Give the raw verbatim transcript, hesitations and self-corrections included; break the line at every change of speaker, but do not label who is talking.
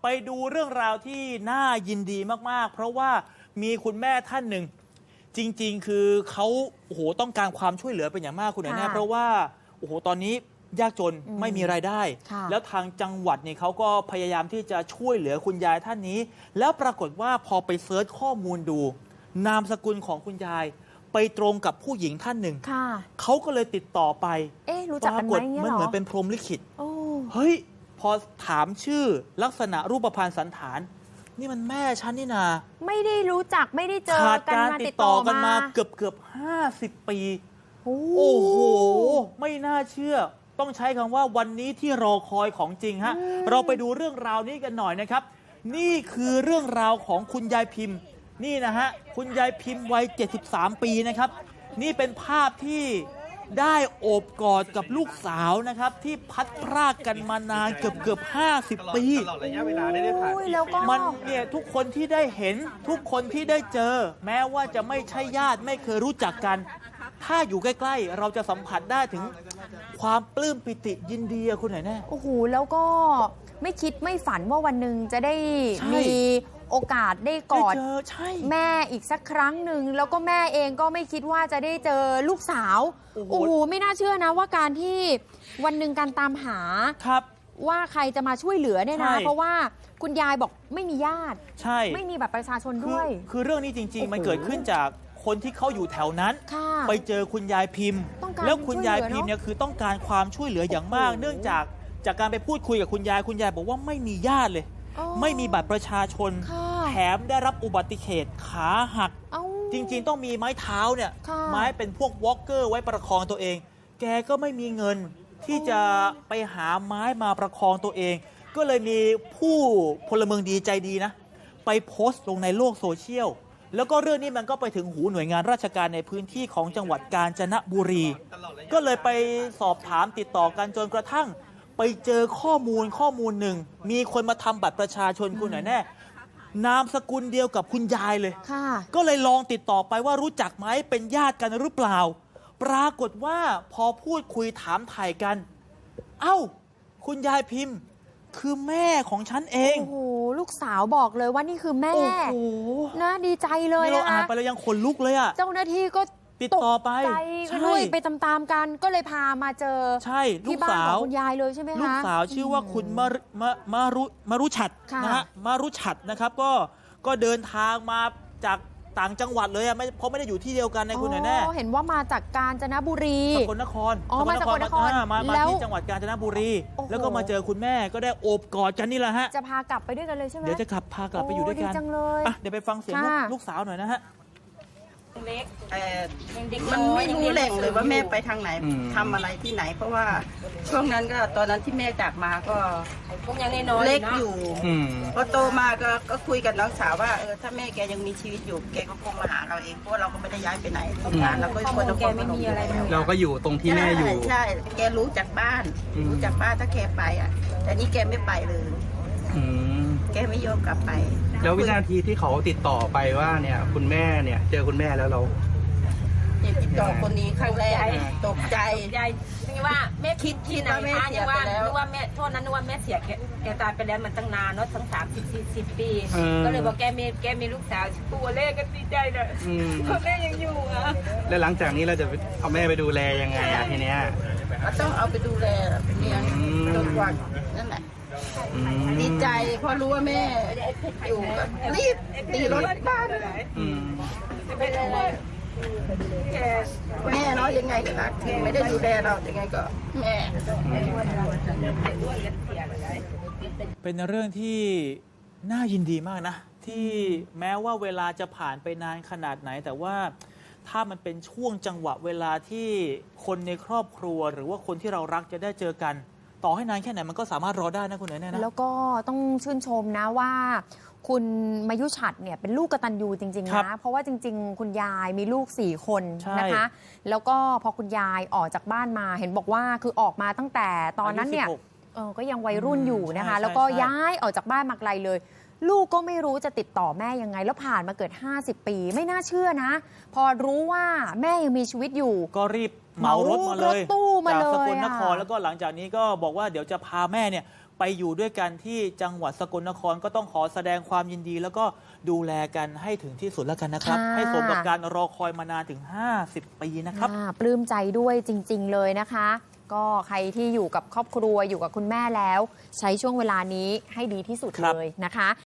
ไปดูเรื่องราวที่น่ายินดีมากๆเพราะว่ามีคุณแม่ท่านหนึ่งจริงๆคือเขาโอ้โหต้องการความช่วยเหลือเป็นอย่างมากคุณแน่เพราะว่าโอ้โหตอนนี้ยากจนไม่มีรายได้แล้วทางจังหวัดเนี่ยเขาก็พยายามที่จะช่วยเหลือคุณยายท่านนี้แล้วปรากฏว่าพอไปเซิร์ชข้อมูลดูนามสกุลของคุณยายไปตรงกับผู้หญิงท่านหนึ่งเขาก็เลยติดต่อไป
เอ๊ะรู้จักกันไหมเนี่ยหรอ
มันเหมือนเป็นพรหมลิขิตเฮ้ยพอถามชื่อลักษณะรูปพรรณสันฐานนี่มันแม่ฉันนี่นา
ไม่ได้รู้จักไม่ได้เจอ
ขาด
กัน
การติดต่อกันมาเกือบเกือบห้าสิบปีโอ้โหไม่น่าเชื่อต้องใช้คำว่าวันนี้ที่รอคอยของจริงฮะเราไปดูเรื่องราวนี้กันหน่อยนะครับนี่คือเรื่องราวของคุณยายพิมพ์นี่นะฮะคุณยายพิมพ์วัยเจ็ดสิบสามปีนะครับนี่เป็นภาพที่ได้โอบกอดกับลูกสาวนะครับที่พัดพรากกันมานานเกือบเกือบห้าสิบปีตลอดระยะเวลาได้ผ่านมันเนี่ยทุกคนที่ได้เห็นทุกคนที่ได้เจอแม้ว่าจะไม่ใช่ญาติไม่เคยรู้จักกันถ้าอยู่ใกล้ๆเราจะสัมผัสได้ถึงความปลื้มปิติยินดีคุณไหนแน่
โอ้โหแล้วก็ไม่คิดไม่ฝันว่าวันหนึ่งจะได้มีโอกาสได้กอดแม่อีกสักครั้งหนึ่งแล้วก็แม่เองก็ไม่คิดว่าจะได้เจอลูกสาวโอ้โหไม่น่าเชื่อนะว่าการที่วันหนึ่งการตามหาว่าใครจะมาช่วยเหลือเนี่ยนะเพราะว่าคุณยายบอกไม่มีญาติใช่ไม่มีบัตรประชาชนด้วย
คือเรื่องนี้จริงๆมันเกิดขึ้นจากคนที่เขาอยู่แถวนั้นไปเจอคุณยายพิมพ์แล้วคุณยายพิมพ์เนี่ยคือต้องการความช่วยเหลืออย่างมากเนื่องจากจากการไปพูดคุยกับคุณยายคุณยายบอกว่าไม่มีญาติเลยไม่มีบัตรประชาชนแถมได้รับอุบัติเหตุขาหักจริงๆต้องมีไม้เท้าเนี่ยไม้เป็นพวกวอล์กเกอร์ไว้ประคองตัวเองแกก็ไม่มีเงินที่จะไปหาไม้มาประคองตัวเองก็เลยมีผู้พลเมืองดีใจดีนะไปโพสต์ลงในโลกโซเชียลแล้วก็เรื่องนี้มันก็ไปถึงหูหน่วยงานราชการในพื้นที่ของจังหวัดกาญจนบุรีก็เลยไปสอบถามติดต่อกันจนกระทั่งไปเจอข้อมูลข้อมูลหนึ่งมีคนมาทำบัตรประชาชนคุณหน่อยแน่นามสกุลเดียวกับคุณยายเลยก็เลยลองติดต่อไปว่ารู้จักไหมเป็นญาติกันหรือเปล่าปรากฏว่าพอพูดคุยถามไถ่กันเอ้าคุณยายพิมพ์คือแม่ของฉันเอง
โอ้โหลูกสาวบอกเลยว่านี่คือแม่โอ้โหน่าดีใจเลย
นะคะเราอ่านไปแล้วยังขนลุกเลยอ่ะ
เจ้าหน้าที่ก็
ติดต่อไป
ใจด้วยไปตามๆกันก็เลยพามาเจอ
ใช่ลูกสาว
คุณยายเลยใช่ไหมคะ
ลูกสาวชื่อว่าคุณมามามารุมารุฉัตรนะฮะมารุฉัตรนะครับก็ก็เดินทางมาจากต่างจังหวัดเลยอ่ะไม่เพราะไม่ได้อยู่ที่เดียวกันในคุณหน่อยแน่
เห็นว่ามาจากกาญจนบุรี
สกลนคร
อ๋อมาสกลนคร
มามาที่จังหวัดกาญจนบุรีแล้วก็มาเจอคุณแม่ก็ได้โอบกอดกันนี่แหละฮะ
จะพากลับไปด้วยกันเลยใช่ไหม
เดี๋ยวจะกลับพากลับไปอยู่ด้วยกันเดี๋ยวไปฟังเสียงลูกสาวหน่อยนะฮะ
เล็กมันไม่รู้แหล่งเลยว่าแม่ไปทางไหนทำอะไรที่ไหนเพราะว่าช่วงนั้นก็ตอนนั้นที่แม่จากมาก็เล็กอยู่พอโตมาก็ก็คุยกับน้องสาวว่าเออถ้าแม่แกยังมีชีวิตอยู่แกก็คงมาหาเราเองเพราะเราก็ไม่ได้ย้ายไปไหนทำงานเราก็คนเราแกไม่มีอะไร
เราก็อยู่ตรงที่แม่อยู่
ใช่แกรู้จากบ้านรู้จากบ้านถ้าแกไปอ่ะแต่นี่แกไม่ไปเลยแกไม่ยอมกลับไป
แล้ววินาทีที่เขาติดต่อไปว่าเนี่ยคุณแม่เนี่ยเจอคุณแม่แล้วเรา
ติดต่อคนนี้ครั้งแรกตกใจ
ยายนึกว่าแม่คิดที่ไหนคะนึกว่านึกว่าแม่โทษนั้นนึกว่าแม่เสียแกแกตายไปแล้วมันตั้งนานเนาะตั้งสามสิบสี่สิบปีก็เลยบอกแกมีแกมีลูกสาวตัวเล็กก็ดีใจเลยเพราะแม่ยังอยู่อ่ะ
แล้วหลังจากนี้เราจะเอาแม่ไปดูแลยังไงอ่ะทีเนี้ย
ต้องเอาไปดูแลเลี้ยงจนกว่านั่นแหละดีใจพอรู้ว่าแม่อยู่รีบตีรถบ้านแม่เนาะยังไงก็รักถึงไม่ได้ดูแลเรายังไงก็แม่
เป็นเรื่องที่น่ายินดีมากนะที่แม้ว่าเวลาจะผ่านไปนานขนาดไหนแต่ว่าถ้ามันเป็นช่วงจังหวะเวลาที่คนในครอบครัวหรือว่าคนที่เรารักจะได้เจอกันต่อให้นานแค่ไหนมันก็สามารถรอได้นะคุณเอ๋ยนะ
แล้วก็ต้องชื่นชมนะว่าคุณมายุฉัตรเนี่ยเป็นลูกกตัญญูจริงๆนะเพราะว่าจริงๆคุณยายมีลูกสี่คนนะคะแล้วก็พอคุณยายออกจากบ้านมาเห็นบอกว่าคือออกมาตั้งแต่ตอนนั้นเนี่ยเออก็ยังวัยรุ่นอยู่นะคะแล้วก็ย้ายออกจากบ้านมาไกลเลยลูกก็ไม่รู้จะติดต่อแม่ยังไงแล้วผ่านมาเกิดห้าสิบปีไม่น่าเชื่อนะพอรู้ว่าแม่ยังมีชีวิตอยู่
ก็รีบเหมารถมาเลยจากสกลนครแล้วก็หลังจากนี้ก็บอกว่าเดี๋ยวจะพาแม่เนี่ยไปอยู่ด้วยกันที่จังหวัดสกลนครก็ต้องขอแสดงความยินดี แล้วก็ดูแลกันให้ถึงที่สุดแล้วกันนะครับให้สมกับการรอคอยมานานถึงห้าสิบปีนะครับ
ปลื้มใจด้วยจริงๆเลยนะคะก็ใครที่อยู่กับครอบครัวอยู่กับคุณแม่แล้วใช้ช่วงเวลานี้ให้ดีที่สุดเลยนะคะ